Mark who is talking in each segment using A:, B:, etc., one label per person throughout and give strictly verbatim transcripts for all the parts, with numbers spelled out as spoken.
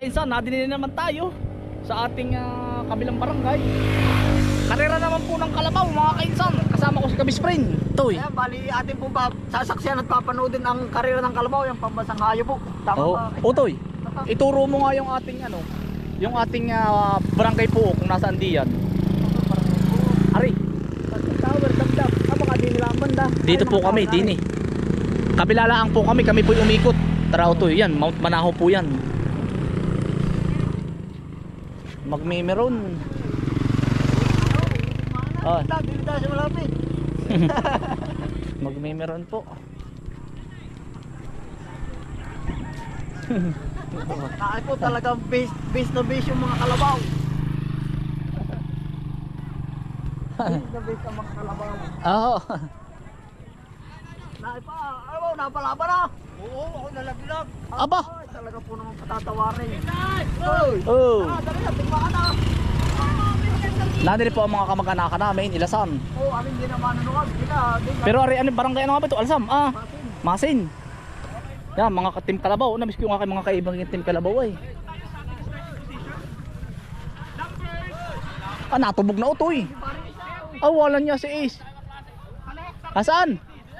A: Insan, nadinin naman tayo sa ating uh, kabilang barangay. Karera naman po ng kalabaw mga kainsan. Kasama ko si Kabisprin. Toy.
B: Ayan, bali atin po ba sasaksiyan at papanoodin ang karera ng kalabaw, yung pambansang hayo po. Tama
A: Oh,
B: ba?
A: oh Toy. Ituro mo nga yung ating ano, yung ating uh, barangay po kung nasaan diyan. Ari.
B: Tower, dagdag. Ah, baka di nila ang banda.
A: Dito po kami, dini. Kabilalaan po kami, kami po umikot. Tara Toy, yan, Mount Manahaw po yan. Magmemeron. Ah.
B: Dili tayo sa malapit.
A: Magmemeron po.
B: Ay po talagang base, base na base yung mga kalabaw. Base na base ang mga kalabaw.
A: Oo.
B: Naay pa, ayaw, napalaban na. Oo, ako nalaglag.
A: Aba.
B: Ay, talaga po naman patatawarin. Oy!
A: Oh.
B: Ah, dali na, tingmaan na.
A: Nandito po ang mga kamag-anak namin, Ilasan.
B: Oo, amin din naman nanuwag. Sila, di ka.
A: Pero ari ano barangay ano nga ba ito? Alsam. Ah, Masin. Yan, mga ka-team Kalabaw. Namiss ko yung aking mga kaibang team Kalabaw ay. Ah, natubog na utoy. Ah, wala niya si Ace. Asaan?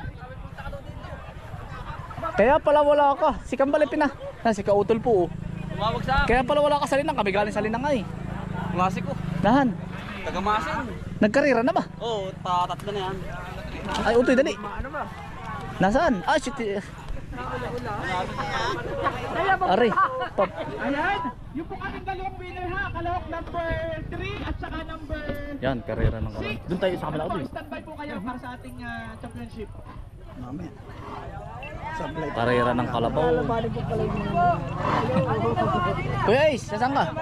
A: Kaya pala wala ka. Si Kambalipin na. Ah, si Kautol po. Oh.
C: Tumawag sa
A: Kaya pala wala ka sa Linang. Kami galing sa Linang ay.
C: klase ko.
A: Dahan.
C: Taga-Masin.
A: Nagkarira na ba?
C: Oo, oh, tatlo na yan.
A: Ay, utoy dali.
B: Ano ba?
A: Nasaan? Ah, shit. Ari. Pop.
D: Ayan, yung po kaming dalawang winner ha, Kalahok number three at saka number
A: Yan, karera ng kalan. Doon tayo sa kabila
D: six.
A: utoy.
D: Standby po kayo para sa ating uh, championship.
B: Mamaya. Sablay.
A: Karera ng Kalabaw.
B: Bali po pala yung mga.
A: Kuya Ace, saan ka?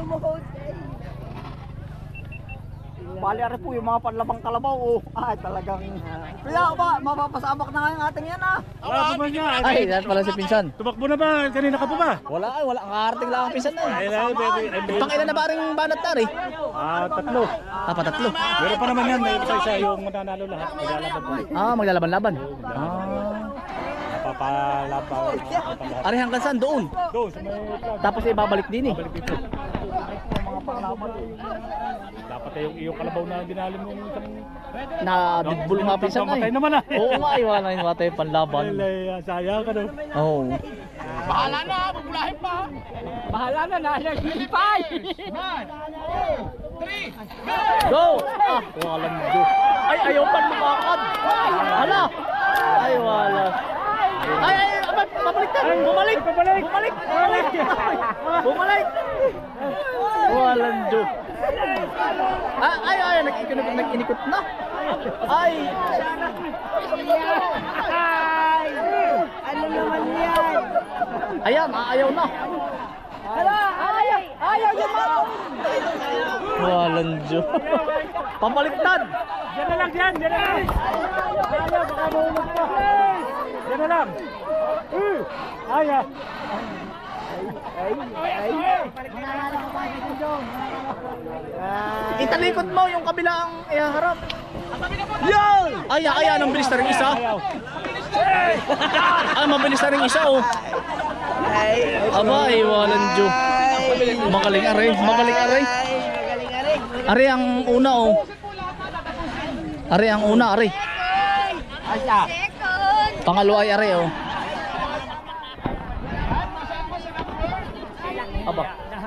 B: Bali ari po yung mga panlabang kalabaw. Oh. Ay, talagang. Kaya ba, mapapasabak na nga yung ating yan ah.
D: Wala po ba niya?
A: Ay, yan pala si Pinsan.
D: Tumakbo na ba? Kanina ka pa ba?
A: Wala ay, wala. Ang karating lang ang Pinsan na eh.
D: Ay, baby.
A: Pang ilan na ba rin banat tari?
D: Ah, tatlo.
A: Ah, patatlo.
D: Meron pa naman yan. May isa-isa yung mananalo lahat. Maglalaban po.
A: Ah, maglalaban-laban. Ah.
D: Napapalaban.
A: Ari hanggang saan? Doon.
D: Doon, sa may flag.
A: Tapos ibabalik din eh.
D: Balik dito. Dapat yung iyong kalabaw na dinalim mo yung isang...
A: Na bidbul nga Pinsan na
D: Patay
A: eh.
D: naman ah.
A: Oo nga, ay wala yung matay panlaban.
D: Ay, ay, sayang ka no.
A: Oo.
D: Bahala na, bubulahin pa. Bahala na, nalagipay. One, two, three,
A: Go! Ah, walang do. Ay, ayaw pa lumakad. Hala! Ay, wala. Ay, ay, abad, babalik na. Bumalik!
D: Bumalik!
A: Bumalik! Bumalik! Bumalik! Walang do. Ah, ay, ay, nag-ikinig, nag-inikot na. Ay!
B: Ay! Ano naman yan?
A: Ayan, aayaw na.
B: Hala! Ayaw! Ayaw yung mga!
A: Walang do. Pabaliktad!
D: Diyan na lang, diyan, diyan na lang. Ayaw, baka mahulog pa. Diyan na lang. Uh, ayaw.
A: Italikod mo yung kabilang ihaharap. Yan! Ay, ay, ang bilis na rin isa.
D: Ayaw.
A: Ay, mabilis na rin isa oh. Aba, ay, walang do. Magaling aray, magaling aray. Ari ang una oh. Ari ang una, ari. Pangalawa ay ari oh. Aba.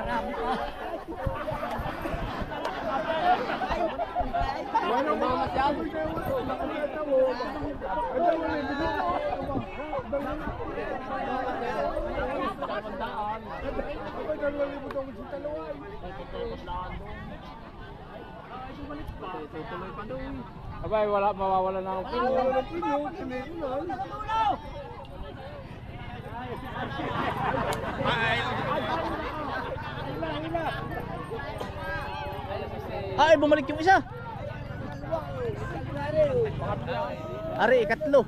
D: Abay, wala, mawawala na ako.
A: Ay, bumalik yung isa. Ari, ikatlo.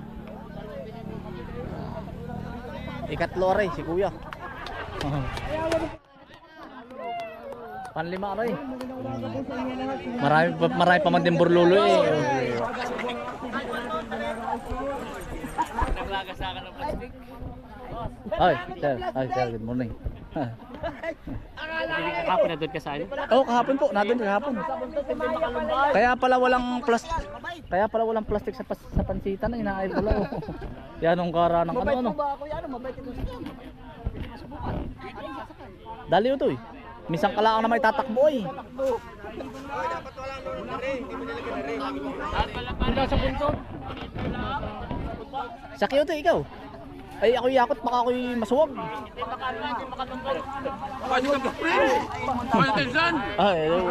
A: Ikatlo, ari, si kuya. Panlima, ari. Marami, pa- marami pa man din burlulo eh. Naglagas sa akin ng plastic. Ay, sir. Ay, sir. Good morning.
D: Kahapon na doon ka sa ano?
A: Oo, oh, kahapon po, nandun kahapon. Kaya pala walang plastic. Kaya pala walang plastic sa pas, sa pansitan, inaayos pala. Oh. Yan ang kara ng ano
B: Mabait
A: ano.
B: mo ba ako yan? Mabait ito sa kanya. Subukan.
A: Dali ito eh. Misang kalaang na may tatakbo eh. Sa Kyoto ikaw. Ay ako yakot baka ako'y masuwag. Ay, hello.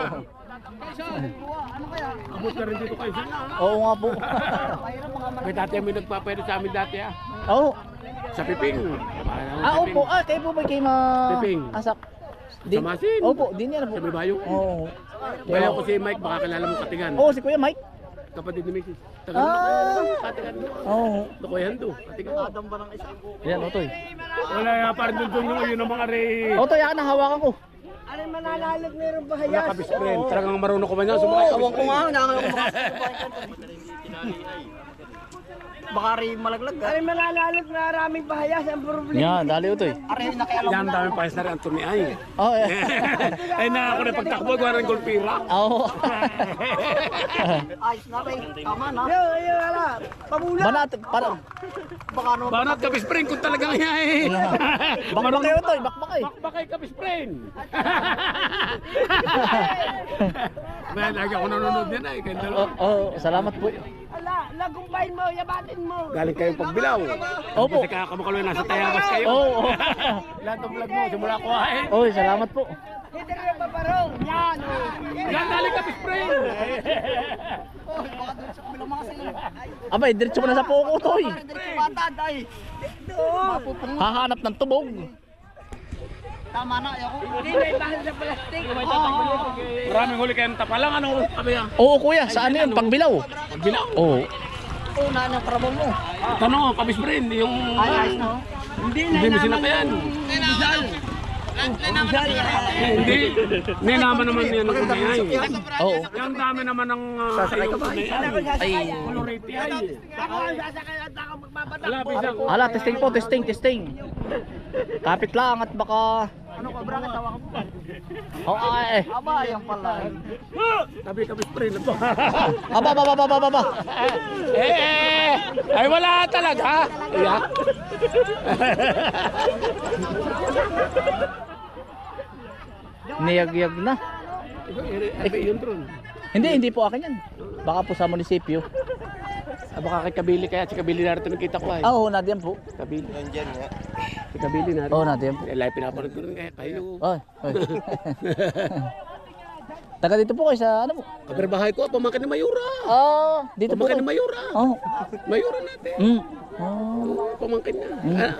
D: Abot ka rin dito kayo sana.
A: Oo nga po.
D: May dati may nagpapayro sa amin dati ah.
A: Oo.
D: Sa Piping.
A: Ah, opo. Ah, kayo po ba kayo ma...
D: Piping.
A: Asak?
D: Sa Masin.
A: Opo, din yan po.
D: Sa may bayo.
A: Oo.
D: Kaya ko si Mike, baka kilala mo Katigan.
A: Oo, si Kuya Mike.
D: Kapatid ni Missus Tagal
A: Ah.
D: Katigan mo.
A: Oo.
D: Nakuyan do. Katigan.
B: Adam ba ng isa?
A: Yan, Otoy.
D: Wala nga parang doon doon yung yun ang mga re.
A: Otoy, akin ang hawakan ko.
B: Ano mananalag meron ba
D: Wala kabis friend. Talagang marunong ko ba niya? Sumakay kabis
B: Ewan ko nga,
D: friend.
B: nakakalaw ko baka rin malaglag ka. Ay mananalag na maraming bahayas ang problema.
A: Yan, dali Otoy.
B: Aray nakialam
D: Yan
B: na.
D: dami pa na rin ang turniay.
A: Oo, eh.
D: Ay na ako na pagtakbo, gawa ng golpira.
A: Oo.
B: Ayos na ba? Tama na. Yo, yo, ala. Pamula.
A: Banat, para.
B: Baka naman.
D: Banat kabis friend kung talagang yan eh.
A: Bakbak kayo Otoy, bakbak kayo.
D: Bakbakay kabis friend. May lagi ako nanonood niya na eh. Kaya
A: Oo,
D: dalawa.
A: oh, salamat po.
B: Ala, lagumpain mo, yabatin mo.
D: Galing kayong pagbilaw.
A: Opo.
D: Kasi kakamakaloy nasa Tayabas kayo.
A: Oo. oo.
D: Lahat ng vlog mo, simula ko eh.
A: Oy, salamat po.
B: Hindi rin pa parong. Yan.
D: Yan galing kabis friend.
B: Oh, baka doon sa kabilang mga sila.
A: Abay, diretso mo na sa poko Otoy.
B: Diretso batad ay. Doon.
A: Hahanap ng tubog.
B: Tama na, ako. Hindi na ibahal sa plastic.
D: Maraming huli kayong tapalang ano kami ah.
A: Oo kuya, saan yun? Pagbilaw.
D: Pagbilaw.
A: Oo.
B: Una ng trabaho mo.
D: Tanong, kabis friend, yung...
B: Ay, ayos na. Hindi na
D: Hindi mo sinakayan. Hindi. Hindi naman naman yan ang kunayay.
A: Oo.
D: Yung dami naman ng uh, yung kunayay.
A: Ay.
D: Colorete ay.
B: Ako ang sasakay at ako magpapatak.
D: Wala, bisang.
A: Ala, testing po, testing, testing. Kapit lang at baka...
B: Ano ka, bra? Tawa ka mo.
A: Oo, ay, eh.
B: Aba, yan pala.
D: Tabi kabis friend.
A: Aba, aba, aba, aba, aba.
D: Eh, eh. Ay wala talaga. Yeah.
A: Niyag-yag na.
D: Eh, yun drone.
A: Hindi, hindi po akin yan. Baka po sa munisipyo.
D: Ah, baka kay Kabili kaya si Kabili narito nakita ko ay.
A: Ah, oo, nadiyan po.
D: Kabili. Nandiyan nga. Si Kabili narito.
A: Oo, nadiyan po.
D: Eh, live pinapanood ko rin kaya kayo.
A: Ay, ay. Taga dito po kayo sa ano po?
D: Kabarbahay ko, pamangkin ni Mayura.
A: Ah, dito po.
D: Pamangkin ni Mayura.
A: Oh.
D: Mayura natin.
A: Mm. Oh.
D: Oo, pamangkin na.
A: Mm.
D: Ah,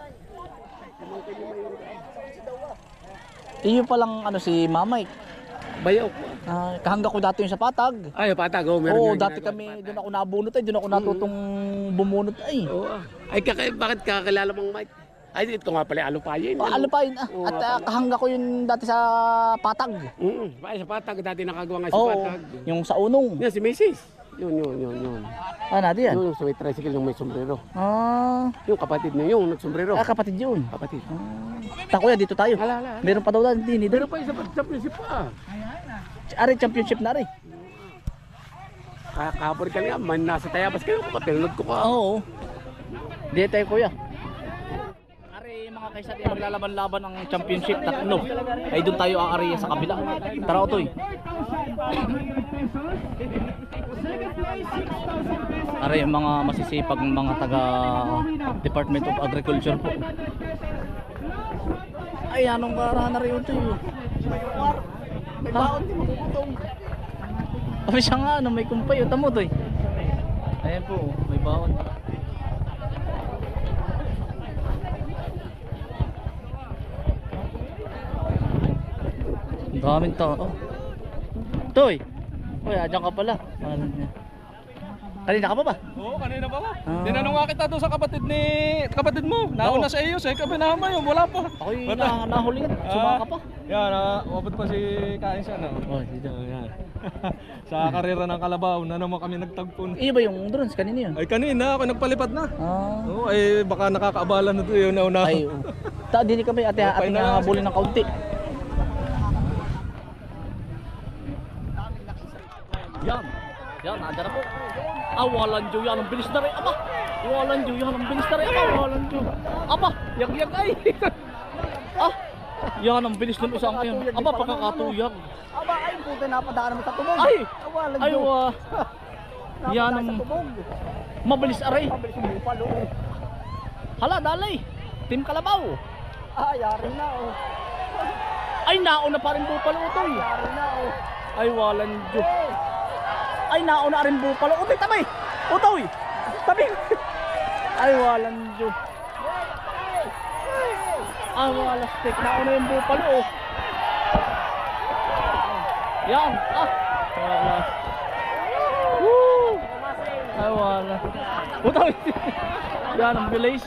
A: Iyo palang ano si Mamay.
D: bayaw ko.
A: Ah, kahangga ko dati yung sa Patag.
D: Ay, patag. Oh, meron
A: Oo,
D: yung
A: dati
D: ginagawa.
A: kami doon ako nabunot ay doon ako natutong bumunot ay.
D: Oo. ah. Ay, kaka bakit kakilala mong Mike? Ay, ito nga pala, alupayin.
A: Oh, ano pa yun ah.
D: Oo,
A: At ah, kahangga ko yun dati sa Patag.
D: Mm, ay, sa patag. Dati nakagawa nga sa
A: Oo,
D: patag.
A: yung sa Unong.
D: Yan, si Macy's. Yun, yun, yun, yun.
A: Ah, nadi yan.
D: Yun, sa may tricycle yung may sombrero.
A: Ah,
D: Yung kapatid niya, yung nagsombrero.
A: ah kapatid yun.
D: Kapatid.
A: Ta kuya, dito tayo.
D: Hala, hala.
A: Meron pa daw din dito.
D: Meron pa isa pa sa prinsip pa.
A: Ari championship na rin.
D: Kahapon ka nga, man nasa Tayabas kayo, kapatid ko ka.
A: Oo. Dito tayo kuya. Ari mga kaisa di maglalaban-laban ng championship tatlo. Ay doon tayo aari sa kabila. Tara Otoy. Ari yung mga masisipag mga taga Department of Agriculture po. Ay anong karahan na rin Otoy.
B: May baon di makukutong.
A: O siya nga ano may kumpay o tamo Otoy. Ayan po may baon. Ang daming tao. Toy! Uy, adyan ka pala. Pangalan niya. Kanina ka pa ba?
C: Oo, kanina pa ba?
A: Ah.
C: Tinanong nga kita doon sa kapatid ni kapatid mo. Nauna sa iyo, sa kapinama yun, wala pa.
A: Ako'y na, nahuli ka. Sumaka pa.
C: Yan, uh, umabot pa si Kain siya, no?
A: Oh, dito.
C: Oh, yan. Sa karera ng Kalabaw, na naman kami nagtagpon.
A: Iyo ba yung drones? Kanina yun?
C: Ay kanina, ako nagpalipad na.
A: Ah.
C: Oo, ay baka nakakaabala na doon yun, nauna.
A: Ay, oo. Ta, dili kami ate
C: Okay
A: ating
C: na lang.
A: habulin ng kaunti. Yan. Yan, nanda na po. Ah, walang Diyo yan. Ang bilis na rin. Aba. Walang Diyo yan. Ang bilis na rin. Aba, walang Diyo. Aba, yag-yag ay. Ah, yan ang bilis ng isang yan. Aba, pakakatuyag.
B: Aba, ay puti napadaan mo sa tubog.
A: Ay!
B: Awalan
A: Ay,
B: Diyo.
A: wa. Yan
B: Napadaan
A: ang
B: sa tubog.
A: mabilis aray.
B: Pabilis yung bupalo. oh.
A: Hala, dalay. Team Kalabaw.
B: Ah, yari na oh.
A: Ay, nauna pa rin bupalo utoy.
B: Yari na oh.
A: Ay, walang Diyo. Ay, nauna rin bupalo. Utoy, tabi. Utoy. Tabi. Ay, walang Diyo. Ah, wala stick. Nauna yung bupalo. Oh. Yan. Ah. Wala. Woo. Ay, wala. Utoy. Yan ang bilis.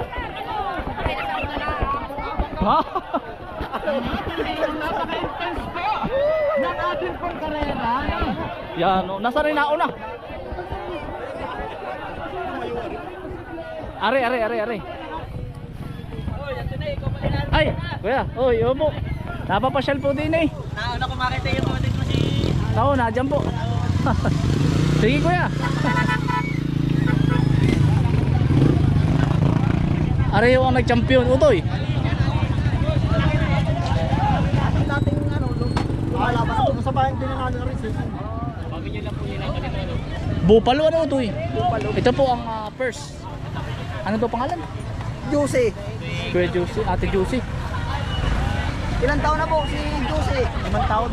A: Ha?
B: Ng ating pang karera.
A: Yan, oh. Nasa rin nauna. Are, are, are, are. Ay, kuya, oy, opo. Napapasyal po din eh.
B: Nauna ko makita yung mga mo si...
A: Oo, nadyan po. Sige kuya. Are yung ang nag-champion, utoy.
B: Dating ano, lumalaban ako sa bayan din ng ano rin.
A: Bupalo ano utoy? Ito po ang ah, first. Ano to pangalan?
B: Juicy.
A: Kuya Juicy, Ate Juicy.
B: Ilang taon na po si Juicy? Limang taon.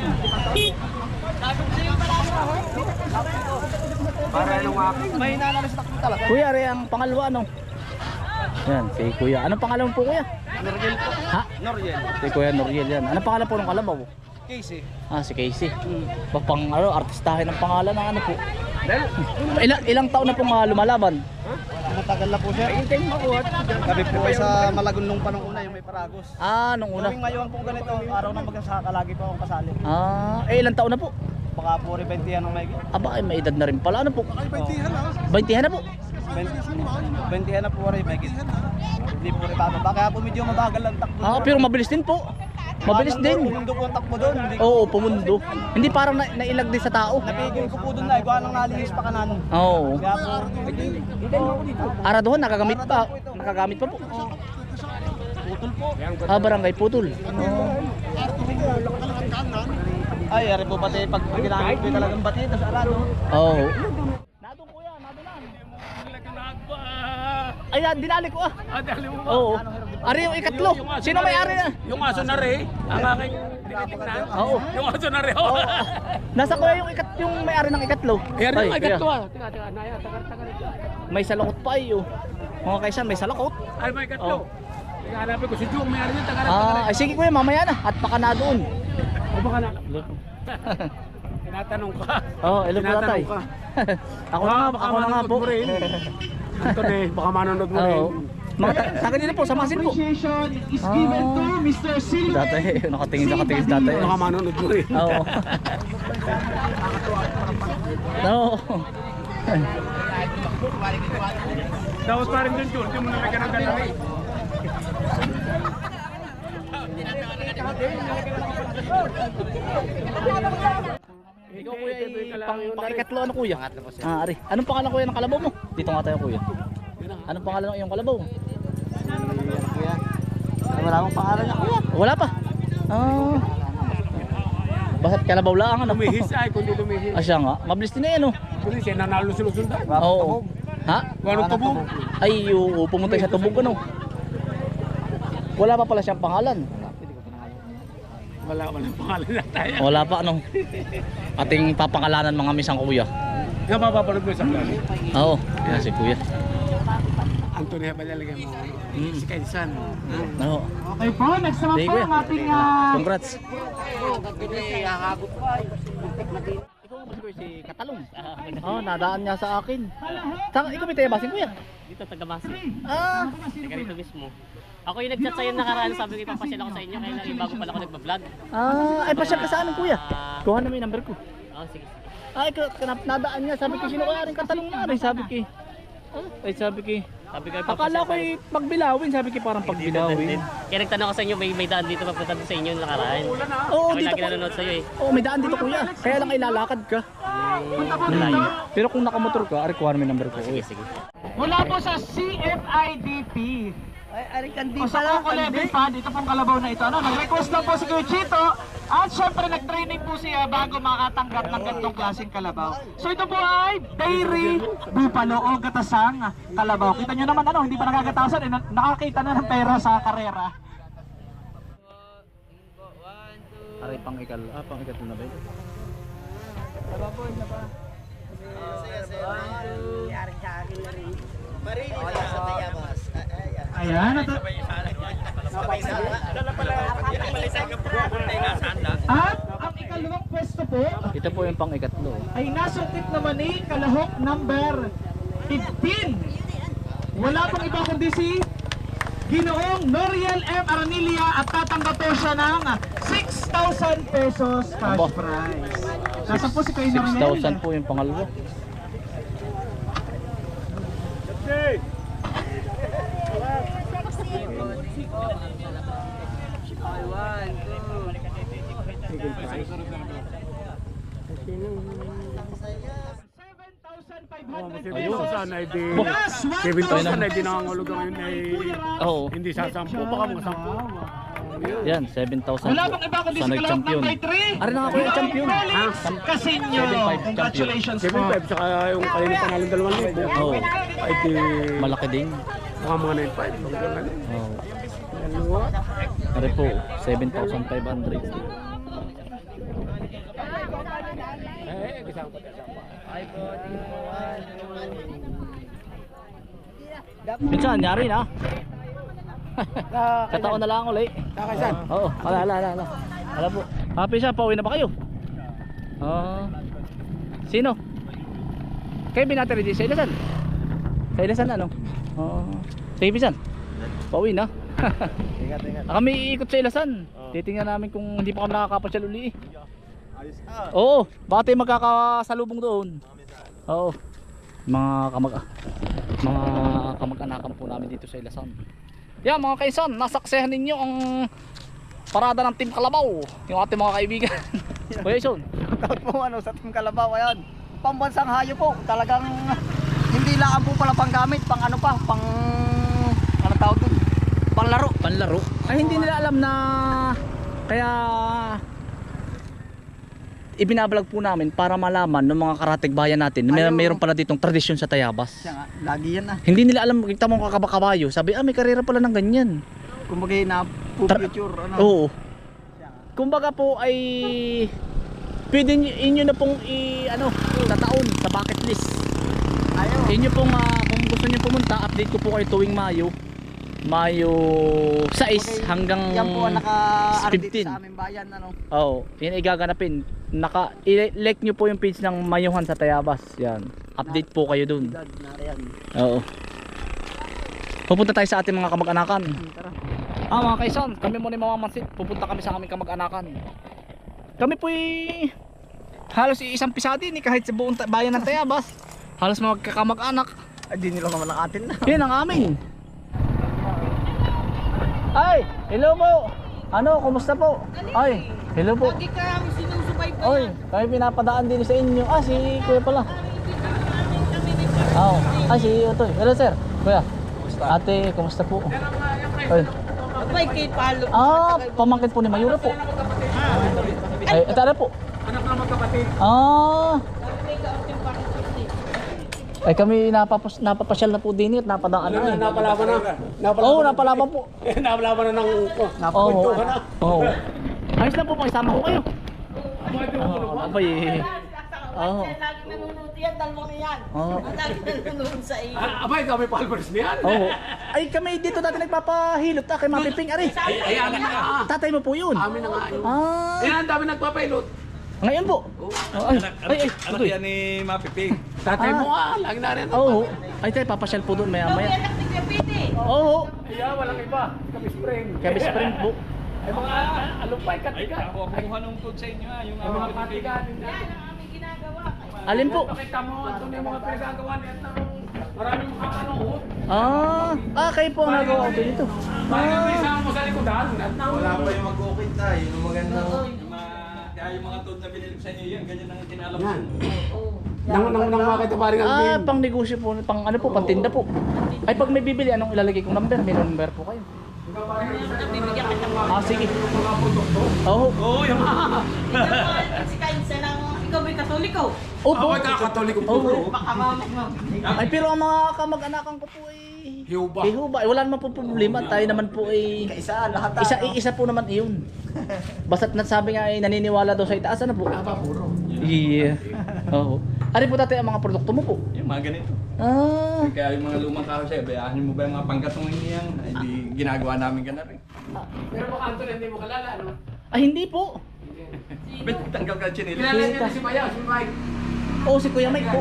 B: Para nung ako. May hinala sa takbo talaga.
A: Kuya, are ang pangalawa ano? Yan, si kuya. Anong pangalan po kuya?
B: Noriel po.
A: Ha?
B: Noriel.
A: Si Kuya Noriel yan. Anong pangalan po ng kalabaw?
B: Casey.
A: Ah, si Casey. Hmm. Pang ano, artistahin ng pangalan ng ano po. Ilang, ilang taon na pong uh, lumalaban?
B: Matagal na po siya. Hintay mo po. Gabi po kayo sa Malagon nung panong una yung may Paragos.
A: Ah, nung una.
B: Tuwing ngayon po ganito, araw na magsasaka lagi po akong kasali.
A: Ah, eh ilang taon na po?
B: Baka po rin twenty yan ang may
A: Aba, ay may edad na rin pala. Ano po? twenty na po.
B: twenty na po rin may Hindi po rin bababa. Kaya po medyo mabagal ang takbo.
A: Ah, pero mabilis din po. Mabilis din.
B: Pumundo po ang takbo doon. Hindi ko
A: Oo, pumundo. Hindi parang na, nailag din sa tao.
B: napigil ko po doon na. Ikaw anong nalihis pa kanan.
A: Oo.
B: Kaya po, hintay mo po dito.
A: Araduhan, nakagamit pa. Nakagamit pa po.
B: Putol po.
A: Ah, barangay Putol.
B: Ay, ari po pati pag ginamit ko talagang bati. Tapos arado.
A: Oo. Nadong kuya, nadunan. Ay, ah, dinali ko ah.
C: Ah, dali mo ba?
A: Oo. Ari yung ikatlo. Sino may ari na?
C: Yung aso na rin, ang aking tinitignan.
A: Oo.
C: Yung aso na rin.
A: Oo. Nasa kuya yung ikat yung may ari ng ikatlo.
C: Ayan
A: Ay,
C: yung agad
A: kuya.
C: to ah. Tika, tika, naya, tagal, tagal.
A: May salakot pa iyo. Mga kaisan, may salakot.
C: Ay, may
A: Oh.
C: katlo. Tika, hanapin ko si Jung, may ari yun, tagal, tagal.
A: Ah, ay sige kuya, mamaya na. At baka na doon.
C: O baka na. Tinatanong ka.
A: Oo, oh, ilo po tatay.
C: Tinatanong ka.
A: Ako na nga,
C: Baka
A: ako na nga
C: manonood
A: po.
C: mo rin. Anton eh, baka manonood mo rin.
A: Oo. Mga ta- sa kanila po, samasin po.
E: Appreciation is given to Mister Silver.
A: Dati, nakatingin sa katingin dati.
C: Baka manonood mo rin.
A: Oo. Oo.
C: Tapos pa rin dun, Jun. Hindi mo na may ganang ganang eh.
A: Ikaw kuya, eh, pang, pang ikatlo ano kuya? Ah, ari. Anong pangalan kuya ng kalabaw mo? Dito nga tayo kuya. Anong pangalan ng iyong kalabaw?
B: Wala akong pangalan niya. Kuya.
A: Wala pa. Ah. Basta't kalabaw lang ano.
C: Lumihis ay, kundi lumihis.
A: Ah, siya nga. Mabilis din eh, ano?
C: Kundi siya nanalo sa Lusundan.
A: Oo. Ha?
C: Anong tubog?
A: Ay, oo, pumunta siya tubog ano. Wala pa pala siyang pangalan.
C: Wala, walang pangalan na tayo.
A: Wala pa ano. Ating papangalanan mga misang kuya.
C: Nga mapapanood mo sa vlog.
A: Oo, yan si kuya.
C: Antonio ba talaga mo?
A: Mm.
C: Si Kaisan.
A: Oo.
E: Okay po, next naman
A: Sige
E: po
A: kuya.
E: ang ating ah,
A: Congrats. Ikaw ba si kuya si Katalong? Oo, nadaan niya sa akin. Saan ikaw may tayo basin kuya?
F: Dito, taga-Basi.
A: Ah,
F: Taga rito mismo. Ako yung nag-chat sa'yo nakaraan, sabi ko ipapasyal ako sa inyo, kaya lang bago pala ako nagpa-vlog.
A: ah, ay pasyal ka sa amin kuya. Kuha na mo yung number ko.
F: Oo, sige, sige.
A: Ay, ka- kanap nadaan niya. Sabi ko, sino kaya rin Katalong na rin? Sabi ko, eh. Ay sabi ko,
F: Sabi ko,
A: akala ko eh, pagbilawin, sabi ko parang pagbilawin.
F: Kaya nagtanong ko sa inyo, may, may daan dito papunta doon sa inyo yung nakaraan.
A: Oo,
F: Ako
A: dito
F: lagi
A: ko.
F: nanonood sa'yo eh.
A: Oo, may daan dito kuya. Kaya lang ilalakad ka.
F: Malayo.
A: Pero kung nakamotor ka, requirement number ko.
F: Sige, sige.
E: Mula po sa C F I D P.
B: Ay, ari kandi
E: O sa
B: pala.
E: Coco Level pa, dito pong kalabaw na ito. Ano, nag-request lang po si Kuya Chito. At syempre nag-training po siya bago makatanggap ng ganitong klaseng kalabaw. So ito po ay Dairy Bupalo o Gatasang Kalabaw. Kita nyo naman ano, hindi pa nakagatasan. Eh, na- nakakita na ng pera sa karera.
A: Aray pang ikal, ah pang ikal na ba ito?
B: Yaring sa akin na rin. Marili na sa tayabas.
E: Ayan. At, at ang ikalawang pwesto po
A: Ito po yung pang ikatlo.
E: ay nasungkit naman ni Kalahok number fifteen. Wala pong iba kundi si Ginoong Noriel M. Aranilia at tatanggap po siya ng six thousand pesos cash
A: Aba.
E: prize. Nasa po si Kuya
A: six
E: Noriel.
A: thousand po yung pangalawa.
E: seven thousand five hundred
A: Ayun.
E: pesos.
D: Sana ay di
E: Plus
D: seven thousand ay
E: one
D: di nangangulugan ngayon ay
A: Oo.
D: hindi sasampu, baka mga sampu.
A: Yan, seven thousand
E: Wala
A: po.
E: bang iba kundi si
A: Sa
E: Kalahok
A: nag-champion.
E: number three.
A: Ari na nga po yung champion.
E: Felix Casinyo.
A: seven five champion.
E: Congratulations
D: seven
E: po.
D: five saka yung kanina panalong dalawang libo.
A: Oo.
D: Ay di
A: Malaki din.
D: mga mga nine five.
A: Oo. Ari po, seven thousand five hundred.
D: Eh, kasama pa
A: Minsan, nyari na. Kataon na lang ulit.
D: Kakasan.
A: Oo, ala, ala, ala, ala. Ala po. Happy siya, pauwi na ba kayo? Ah. Sino? Kayo binateri di sa Ilasan? Sa Ilasan ano? Oo. Sa Ibisan? Pauwi na.
B: Ingat, ingat.
A: Kami iikot sa Ilasan. Titingnan namin kung hindi pa kami nakakapasyal uli eh. Oo, baka tayo magkakasalubong doon. Oo. Mga kamag mga kamag-anakan po namin dito sa Ilasan. Yan mga kaisan, nasaksehan ninyo ang parada ng Team Kalabaw, yung ating mga kaibigan. Kuya Ison.
B: Shoutout po ano sa Team Kalabaw ayan. Pambansang hayo po. Talagang hindi lang po pala panggamit, pang ano pa, pang ano tawag doon? Panglaro.
A: Panlaro. Ay hindi nila alam na kaya ibinablog po namin para malaman ng mga karatig bayan natin na may,
B: Ayaw.
A: mayroon pala ditong tradisyon sa Tayabas.
B: Siya nga, lagi yan ah.
A: Hindi nila alam, kita mo kakabakabayo. Sabi, ah may karera pala ng ganyan.
B: Kumbaga na
A: Tra-
B: future ano.
A: Oo. Kumbaga po ay pwede nyo, inyo na pong i ano, tataon sa bucket list.
B: Ayaw.
A: Inyo pong ah, kung gusto niyo pumunta, update ko po kayo tuwing Mayo. Mayo sais hanggang
B: Yan po ang naka-ardit
A: fifteen.
B: sa aming bayan ano.
A: Oo, yun ay gaganapin. Naka i-like nyo po yung page ng Mayuhan sa Tayabas. Yan. Update po kayo dun.
B: Edad na yan.
A: Oo. Pupunta tayo sa ating mga kamag-anakan.
B: Tara.
A: Ah mga kaisan, kami muna yung mamamansit. Pupunta kami sa aming kamag-anakan. Kami po'y halos isang pisati ni kahit sa buong ta- bayan ng Tayabas. Halos magkakamag-anak.
B: Ay di nila naman ang atin na.
A: Yan ang amin. Ay, hello po. Ano, kumusta po? Ay, hello po.
G: Lagi kang sinusubaybayan.
A: Oy, kami pinapadaan din sa inyo. Ah, si Kuya pala. Oo. Ah, si Otoy. Hello, sir. Kuya. Ate, kumusta po? Oy.
G: Abay, kay Palo.
A: Ah, pamangkin po ni Mayura po. Ay, ito na po.
D: Anak na magkapatid.
A: Ah. Ay, kami napapos, napapasyal na po din at napadaan na. eh.
D: Napalaban na.
A: Oo, napalaban po.
D: Napalaban na ng oh,
A: Oo.
D: ka na.
A: Oo. Ayos lang po, pakisama ko kayo. Oo, abay eh. Oo.
G: Lagi nanonood yan, dalawang yan.
A: Oo.
G: Lagi nanonood sa iyo.
D: Ah, abay, kami palmaris niyan.
A: Oo. Ay, kami dito dati nagpapahilot ah, kay Mapiping Ari.
D: Ay, ay, amin na nga.
A: Tatay mo po yun.
D: Amin na nga yun.
A: Ah,
D: Eh, ang dami nagpapailot.
A: ngayon po. Oh, ay, ay, ay,
C: Anak yan ni Mapiping.
D: Tatay
A: Ah.
D: mo nga, lagi na rin.
A: Oo. Ay, tayo papasyal po doon maya maya.
G: Anak ni Kapiti.
A: Oo.
D: Iya, walang iba. Kami spring.
A: Kami spring po.
D: Ay, mga alumpay, katiga.
C: Ako ang kumuha ng food sa inyo ha. Yung
D: Ay, mga katiga.
G: Yan ang aming ginagawa.
A: Alin po?
C: Pakita mo, ito na yung mga pinagagawa nito. Maraming makakanood.
A: Ah, ah kayo po ang nagawa ko dito.
C: Bakit may isama mo sa likodan? At
H: Wala pa yung mag-ukit na, yun ang maganda.
C: Yung mga, kaya yung mga toad na binili ko sa inyo yan, ganyan ang tinalap ko.
D: Nang nang nang makita pa rin ang
A: Ah, pang negosyo po, pang ano po, pang tinda po. Ay pag may bibili, anong ilalagay kong number? May number po kayo.
G: Bibigyan kita mo.
A: Ah, sige. Oo.
C: Oo, yung mga.
G: Si Kainsa lang, ikaw ba'y katoliko?
A: Opo.
C: Ako katoliko po.
A: Oo.
G: Baka mamag mo.
A: Ay pero ang mga kamag-anakan ko po ay
C: Hiuba.
A: Hiuba. Ay, wala naman po problema. Tayo naman po ay
B: Kaisa, lahat
A: isa
B: ano.
A: isa po naman iyon. Basta't nasabi nga ay naniniwala daw sa itaas ano po.
C: Aba, puro.
A: Yeah. Oo. Ano po tatay ang mga produkto mo po?
C: Yung mga ganito.
A: Ah.
C: Kaya yung mga lumang kahoy sa'yo, bayahin mo ba yung mga panggatong yan? Ay, di ginagawa namin ka na rin.
D: Pero baka Anton hindi mo kalala, ano?
A: Ay hindi po.
C: Ba't tanggal ka chinil?
D: Kilala niya si Maya, si Mike.
A: Oo, si Kuya Mike po.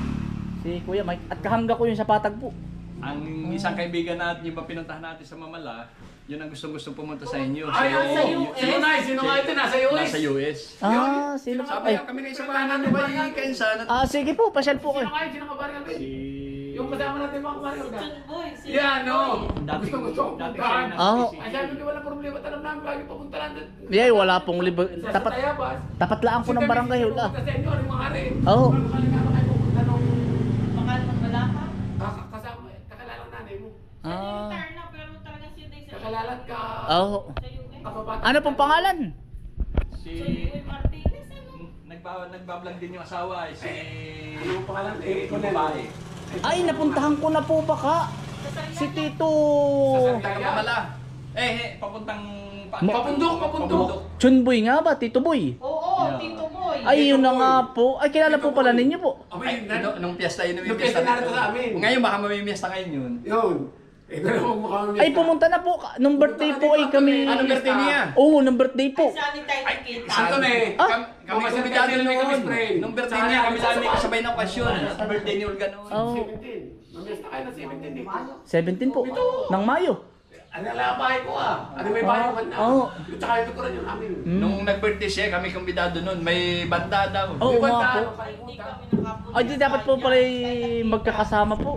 A: Si Kuya Mike at kahangga ko yung sa patag po.
C: Ang isang kaibigan natin, yung ba pinuntahan natin sa Mamala, yun ang gustong-gusto pumunta sa inyo.
D: Ay,
C: Si-
D: oo.
C: si-
D: Sino na? Sino nga ito? Nasa U S.
C: Nasa U S.
A: Ah, sino
C: Sabi
A: ay.
C: nga kami na isang bahanan ni Bay Kainsan at
A: Ah, sige po, pasyal po
D: Sino
A: kayo.
D: nga yun? Sino ka ba rin?
C: si...
D: Yung kasama natin mga kumaril ka.
G: John Boy. si
D: Yan, no?
C: Dati-
D: Gusto gusto ko
C: dati
D: puntahan.
C: siya
A: Oo.
D: Ay, sabi ko wala problema. Tanong namin lagi papunta lang doon.
A: Yeah, wala pong libo.
D: Sa
A: Tapat
D: Tayabas.
A: tapat lang po ng barangay hula.
D: Pupunta sa inyo, ano yung mga rin.
A: Oo.
D: Ano kalingama kayo pupunta nung
G: Baka naman wala ka.
D: kaka- kasama, kakalalang nanay mo.
A: Ah.
G: Retire na pero talaga siya day sa
D: Kakalalan ka.
A: Oo.
G: sa U S.
D: Kababata.
A: Ano pong pangalan?
C: Si...
G: Sa U S Martinez ano?
C: Nagbawa, nagbablog din yung asawa eh, si...
D: Ano yung pangalan? Eh, ikaw
C: Yung
D: na
C: babae.
A: Ay, napuntahan ko na po baka. Si Tito.
C: Taga Mamala. Eh, eh, papuntang... pa-
D: Papundok, papundok.
A: Chunboy nga ba? Tito Boy?
G: Oo, Tito Boy.
A: Ay, yun na nga po. Ay, kilala po pala ninyo po.
C: Ay, nung, nung piyesta yun,
D: Nung piyesta narito sa amin.
C: Ngayon baka mamimiesta kayo yun.
D: Yun. Eh, pero huwag mo kami.
A: Ay, pumunta na po. Nung birthday po ay kami.
C: Anong birthday niya?
A: Oo, nung birthday po.
G: Sanitize kita.
D: Anton eh.
A: Ah?
C: Kami, kami
D: Mama,
C: kumbidado
D: sabi kami kami
C: noon.
D: friend.
C: Nung birthday niya, kami sa amin kasabay ng okasyon. Sa birthday ni Olga noon.
A: Oo.
D: seventeen. Mamiyas na kayo ng seventeen eh.
A: seventeen po. Nang Mayo.
D: Ano lang bahay ko ah. Ano may bahay ko na.
A: Oo.
D: Yung tsaka yung tukuran yung amin.
A: Mm.
C: Nung nag-birthday siya, kami kumbidado noon. May banda daw.
A: Oo
D: Di ba
A: nga po.
D: tayo kayo
G: Hindi
D: punta?
G: kami nakapunta.
A: Ay, di dapat po pala magkakasama po.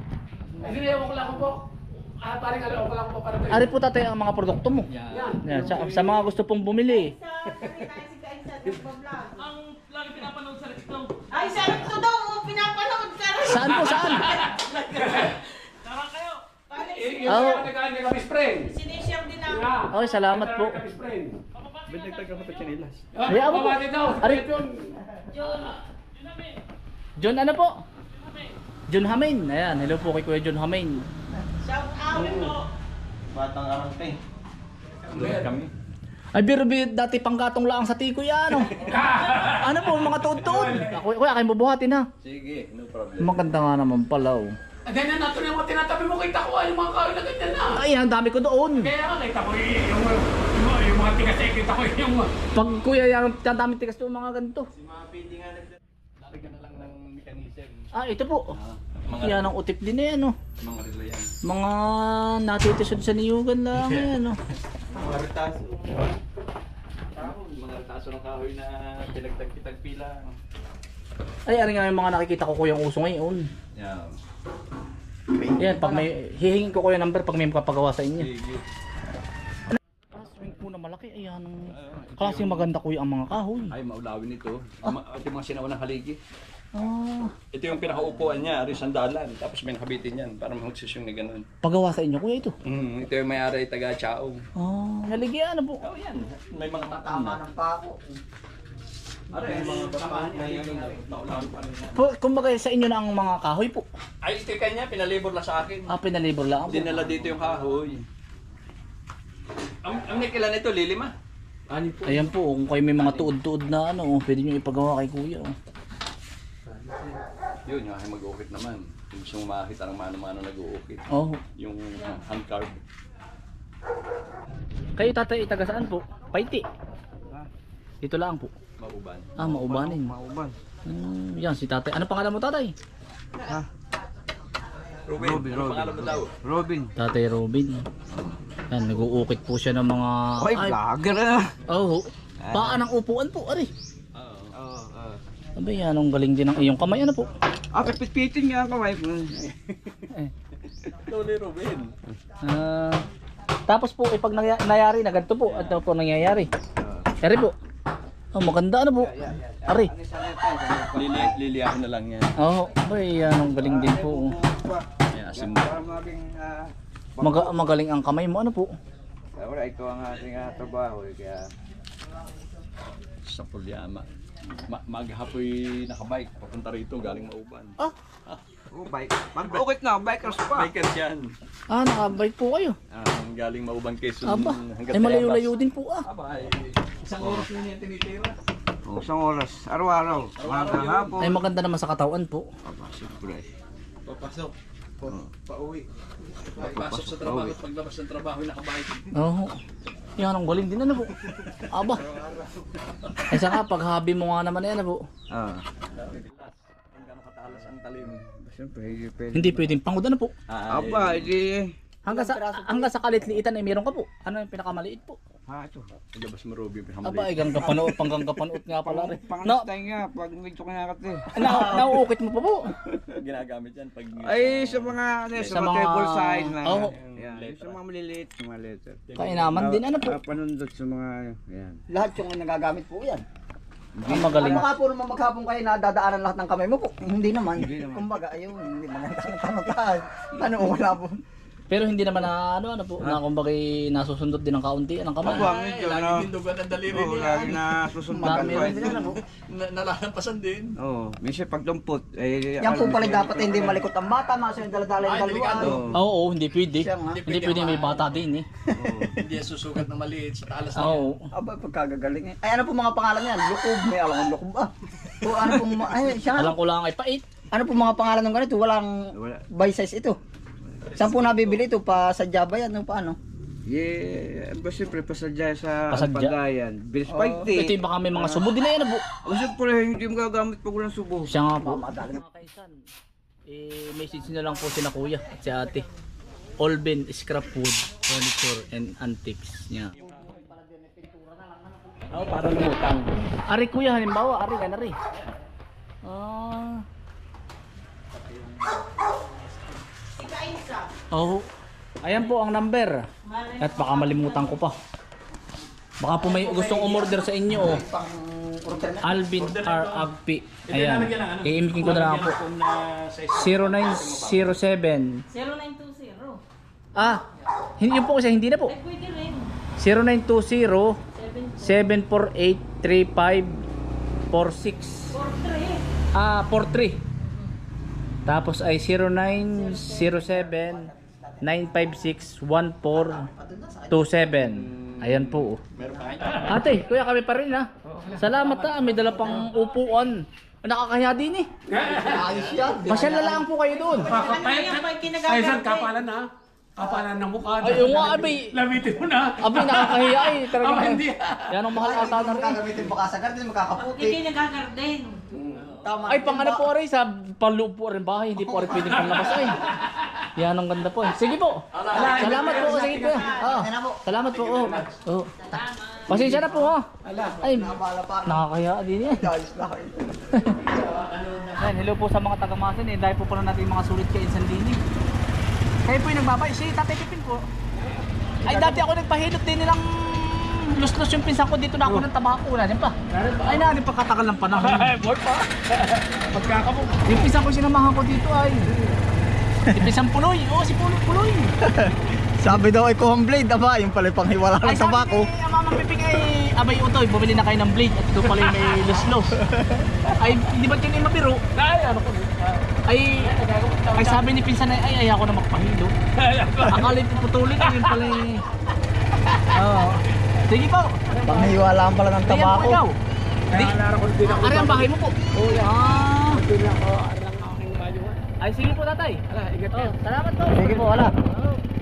D: Kasi ewan ko lang po. Ah, parang alam ko lang po para tayo.
A: Ari po tatay ang mga produkto mo.
C: Yan.
D: Yan.
A: Yan, sa, sa mga gusto pong bumili.
G: Sa nakita si Kainsa nagpa-vlog.
F: Ang lagi pinapanood sa Rexto.
G: Ay, sarap to daw. oh, Pinapanood ka rin.
A: Saan po, saan?
F: Tara kayo!
G: Parang
D: Eh,
G: si-
D: yung
A: Oo.
D: oh. nagkaan ni kami friend.
G: Sinishare din namin.
D: Yeah.
A: Okay, salamat po.
D: Kami friend.
C: Ba't nagtagka mo ito chinilas?
D: Ah,
A: Ay, ako po.
D: babati daw.
A: Ari.
D: Yun.
G: John.
A: John ano po? John Hamain. Ayan, hello po kay Kuya John Hamain.
G: Shout out po.
H: Batang arante.
C: Doon kami.
A: Ay, biro bi- dati panggatong lang sa tiko yan, ano? Ano po, mga tuod-tuod. Ako, kuya, kayo bubuhatin ha.
C: Sige, no problem.
A: Maganda nga naman pala, oh.
D: Ah, ganyan na ito yung mga tinatabi mo kita ko. Yung mga kawin na ganyan na.
A: Ay, ang dami ko doon.
D: Kaya nga, nakita ko yung, yung, yung, yung mga tigas eh, kita ko yung...
A: Pag kuya, yung ang dami tigas doon, mga ganito.
C: Si mga pwede nga nagdala. Lalagyan na lang ng mechanism.
A: Ah, ito po.
C: Mga,
A: Yan ang utip din eh, ano?
C: mga relo yan.
A: Mga natitisod sa niyugan lang, eh, ano?
C: Mga retaso. Mga retaso ng kahoy na pinagtagpitagpila.
A: Ay, ano nga yung mga nakikita ko kuyang uso ngayon.
C: Yan.
A: Yan, pag may, hihingin ko kuya number pag may makapagawa sa inyo.
C: Sige.
A: Ah, swing po na malaki, ayan. Klaseng maganda kuya ang mga kahoy.
C: Ay, maulawin ito. Ma- Ito yung mga sinaunang haligi.
A: Ah,
C: Ito yung pinakaupuan niya, ari sandalan. Tapos may nakabitin yan para magsisyong na ganun.
A: pagawa sa inyo kuya ito.
C: Mm, ito yung may-ari taga Chao.
A: Ah, naligyan na po.
C: Oh, yan. May mga tatam
B: Tama
C: na.
B: ng pako.
C: Ari, yung mga tamaan niya yung maulawin pa rin yan.
A: Po, kumbaga sa inyo na ang mga kahoy po.
C: Ay, ito yung kanya, pinalibor lang sa akin.
A: Ah, pinalibor lang po.
C: Dinala dito yung kahoy. Ang, ang nikilan nito, lilima. Ani po.
A: Ayan po, kung kayo may mga tuod-tuod na ano, pwede nyo ipagawa kay kuya. Oh.
C: Yun, yung aking mag-uukit naman. Kung gusto mong makakita ng mano-mano nag-uukit.
A: Oh.
C: Yung hand carved.
A: Kayo tatay, taga saan po? Paiti. Dito lang po.
C: Mauban.
A: Ah, maubanin.
H: Mauban.
A: Hmm, yan si tatay. Ano pangalan mo tatay?
C: Ruben,
H: Robin,
C: ano pangalan mo daw?
H: Robin.
A: Tatay Robin. Yan, nag-uukit po siya ng mga...
H: Ay, vlogger na.
A: Oh, paan ang upuan po, ari.
C: Oo.
H: Oo, oo.
A: Abay, anong galing din ng iyong kamay. Ano po?
B: Ah, pipit-pitin nga ang kamay po.
C: Loli Ruben.
A: Ah, tapos po, eh, pag nangy- nangyari na ganito po, ano po nangyayari? Ari po. Oh, maganda ano po? Ari.
C: Lili, liliyahin na lang yan.
A: Oo, oh, abay, anong galing din po.
C: Ay, asim na.
B: Para maging, ah,
A: Maga magaling ang kamay mo. Ano po?
B: wala, ito ang ating ah, trabaho. eh, Kaya,
C: Sa Pulyama. Ma maghapoy nakabike. Papunta rito, galing Mauban.
B: oh, bike. Mag-ukit na, bikers pa.
C: Bikers yan.
A: Ah, nakabike po kayo.
C: Ah, galing Mauban Quezon
A: Aba,
C: hanggang
A: ay malayo-layo
C: Tayabas.
A: din po ah.
C: Aba, ay, isang oras yun yung tinitira.
B: Oh, isang oras, araw-araw. Mga hapon.
A: Ay maganda naman sa katawan po.
B: Aba, siyempre.
C: Papasok. Pauwi. Pagpasok sa trabaho at paglabas ng trabaho, nakabike.
A: Oo. Yan ang galing din ano po. Aba. Ay saka pag hobby mo nga naman yan ano po.
B: Ah,
C: Hanggang katalas ang talim.
B: siyempre, hindi pwede.
A: Hindi pwedeng pangod ano po.
C: Ah,
B: Aba, hindi.
A: Hanggang sa hanggang sa kalitliitan ay meron ka po. Ano yung pinakamaliit po?
B: Ha, ito.
C: Ilabas mo Ruby.
A: Aba, ay ganda panood, panggang kapanood nga pala rin.
B: Pangalas
A: No,
B: tayo nga, pag medyo kinakat eh.
A: na, nauukit mo pa po.
C: Ginagamit yan pag...
B: Ay, sa mga, ano, sa,
A: Sa
B: mga
A: mga-
B: table sign na.
A: Oo.
B: Yan, yung sa mga maliliit, sa mga letter.
A: Kaya naman din ano po.
B: Ah, panundot sa mga, yan.
I: Lahat yung nagagamit po yan.
A: Ang magaling.
I: Ano ka po naman maghapon kayo na dadaanan lahat ng kamay mo po? Hindi naman.
B: Hindi naman.
I: Kumbaga, ayun, hindi naman tanong-tanong. Ano wala po?
A: Pero hindi naman na ano ano po, na kumbaga nasusundot din ng kaunti ang kamay.
B: Aba, medyo,
C: Lagi
B: ano.
C: din dugan ang daliri
B: Oo,
C: niya.
B: lagi na susundan
A: Marami
B: ko.
A: rin din ano po.
C: Na- Nalalampasan din.
B: Oo, minsan pag dumpot, eh,
I: Yan po pala dapat hindi malikot ang bata, mga yung daladala yung
C: Ay, delikado.
I: daluan.
B: Oo.
A: Oo, hindi pwede.
I: Siya nga.
A: Hindi pwede may bata din eh.
C: Hindi yan susugat ng maliit sa talas na yan.
A: Oo.
I: Aba, pagkagagaling eh. Ay, ano po mga pangalan yan? Lukob, may alam kong lukob ah. O ano po, ma- ay, siya
A: Alam
I: nga.
A: ko lang ay pait.
I: Ano po mga pangalan ng ganito? Walang
B: Wala.
I: by size ito. Saan po nabibili ito? Pa sa Java yan, ano paano?
B: Yeah, ba siyempre pasadya sa
A: Pasadya?
B: pagayan. Bilis
I: Oo.
B: fighting.
A: Ito yung baka may mga subo din na yan po.
B: O siyempre, hindi mo gagamit pag walang subo.
A: Siya nga po. Mga kaisan, eh, message nyo lang po sina kuya at si ate. Olben Scrap Wood Furniture and Antiques niya.
F: Oo, para lumutang.
A: Ari kuya, halimbawa, ari ka na rin. Ah. Oh. Ayan po ang number. At baka malimutan ko pa. Baka po may gustong umorder sa inyo oh. Alvin R. Agpi. Ayan. I-imikin ko na lang po. zero nine zero seven.
G: zero nine two zero.
A: Ah, hindi yun po kasi hindi na po.
G: Ay, pwede rin.
A: zero nine two zero seven four eight three five four six.
G: four three.
A: Ah, four three. Tapos ay zero nine zero seven nine five six one four two seven. Ayan po. Ate, kuya kami pa rin ha. Salamat ha, may dala pang upuan. Nakakahiya din eh.
I: Ayos yan.
A: Masyal na lang po kayo doon.
G: Ano yan pa yung
D: Ay,
G: kinagagamit?
D: saan kapalan na? Kapalan ng mukha.
A: Ay, yung nga, abay.
D: Lamitin mo na.
A: Abi, nakakahiya eh. Talaga.
D: Aba, hindi.
A: Yan ang mahal ata na rin.
I: Gagamitin mo kasagar, hindi makakaputi.
G: Hindi kayo nagagarden.
I: Tama.
A: Ay, pang ano po rin, sa panloob po rin bahay. Hindi po rin pwedeng panlabas ay. Yan ang ganda po eh. Sige po. Salamat po. Sige po. Oo. Salamat po. Oo. Oo. Pasensya na po ha. Ay, nakakaya din eh.
I: Ayos na kayo.
A: Yan, hello po sa mga taga-Masin eh. Dahil po pala natin yung mga sulit kay Insan Dini. Kayo po yung nagbabay. Si Tatay Pipin po. Ay, dati ako nagpahilot din nilang lus-lus yung pinsan ko dito na ako ng tabako. Wala din pa. Ay, na, din pagkatagal ng panahon.
D: Boy pa. Pagkakamo.
A: Yung pinsan ko sinamahan ko dito ay si Pinsan Puloy. Oo, si Puloy Puloy.
I: Sabi daw ay kuhang blade, aba, yung pala pang hiwala
A: Ay,
I: ng
A: sabi
I: tabako.
A: ni Mama Piping ay abay utoy, bumili na kayo ng blade at ito pala yung may lus-lus. Ay, hindi ba yun yung mabiro?
D: Ay, ano ko.
A: Ay, ay sabi ni Pinsan ay, ay ayaw ko na magpahilo. Akala ko putulin, yun pala yung... Oo. Sige po.
I: Pang hiwala pala ng
A: Ayan po
I: tabako.
A: ikaw. Di,
D: Naalala ko din ako.
A: ari ang bahay mo po.
D: Oo, yan.
A: Ah.
D: Din ako. Ari ang aking mayo.
A: Ay, sige po tatay.
D: Ala, ingat
A: Oh,
D: ka.
A: salamat po.
I: Sige po, wala.
A: Oh.